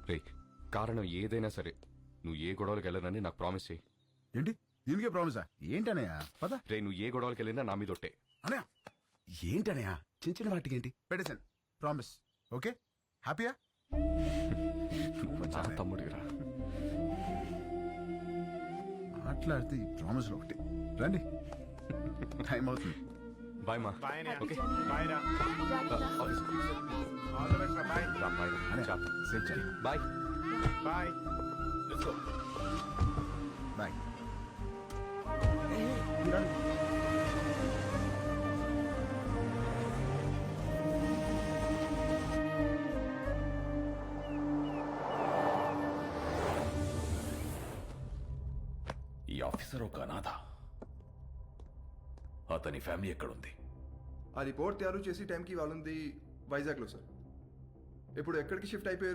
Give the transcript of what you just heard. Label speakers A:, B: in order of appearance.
A: రే కారణం ఏదైనా సరే నువ్వు ఏ గొడవలకు వెళ్ళనని నాకు ప్రామిస్ చేయి.
B: ఏంటి దీనికే ప్రామిసా? ఏంటనయ్య పద.
A: రే నువ్వు ఏ గొడవలకు వెళ్ళినా నా మీద ఒట్టే.
B: అనయ్య ఏంటనయ్య చిన్న చిన్న వాటికి ఏంటి పెట్టేశాను. ప్రామిస్. ఓకే హ్యాపీయా?
A: చాలా తమ్ముడిరా.
B: మాట్లాడితే ఈ ప్రామిస్లో ఒకటి. రండి టైం అవుతుంది.
A: బాయ్ మా.
C: బాయ్
A: ఓకే
C: బాయ్ రా.
A: ఆఫీస్.
C: ఆల్ ది బెస్ట్ రా. బాయ్
A: రా, బాయ్ రా.
B: అనయ్య
A: చాప్.
B: సేఫ్ చేయి.
A: బాయ్.
C: బాయ్.
B: బాయ్.
D: ఈ ఆఫీసర్ ఒక అనాథ. అతని ఫ్యామిలీ ఎక్కడుంది?
E: ఆ రిపోర్ట్ తయారు చేసి టైంకి వాళ్ళుంది వైజాగ్లో సార్. ఇప్పుడు ఎక్కడికి షిఫ్ట్ అయిపోయారు